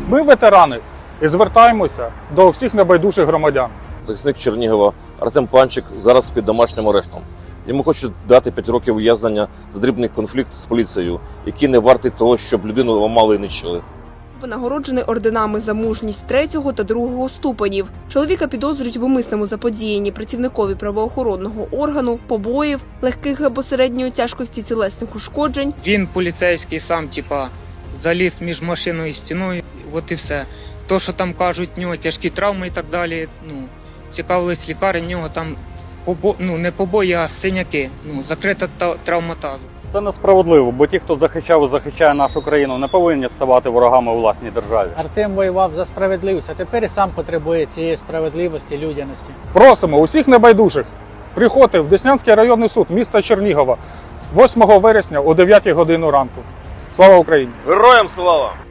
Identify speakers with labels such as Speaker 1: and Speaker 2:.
Speaker 1: Ми ветерани і звертаємося до всіх небайдужих громадян.
Speaker 2: Захисник Чернігова Артем Панчик зараз під домашнім арештом. Йому хочуть дати 5 років ув'язнення за дрібний конфлікт з поліцією, який не вартий того, щоб людину ламали і нищили.
Speaker 3: Нагороджений орденами за мужність 3-го та 2-го ступенів. Чоловіка підозрюють в умисному заподіянні працівникові правоохоронного органу, побоїв, легких або середньої тяжкості тілесних ушкоджень.
Speaker 4: Він поліцейський сам, заліз між машиною і стіною, от і все. То, що там кажуть, в нього тяжкі травми і так далі, цікавились лікарі, в нього там не побої, а синяки, закрита травматаза.
Speaker 5: Це несправедливо, бо ті, хто захищав і захищає нашу країну, не повинні ставати ворогами у власній державі.
Speaker 6: Артем воював за справедливість, а тепер і сам потребує цієї справедливості, людяності.
Speaker 1: Просимо усіх небайдужих приходити в Деснянський районний суд міста Чернігова 8 вересня о 9 годині ранку. Слава Україні!
Speaker 2: Героям слава!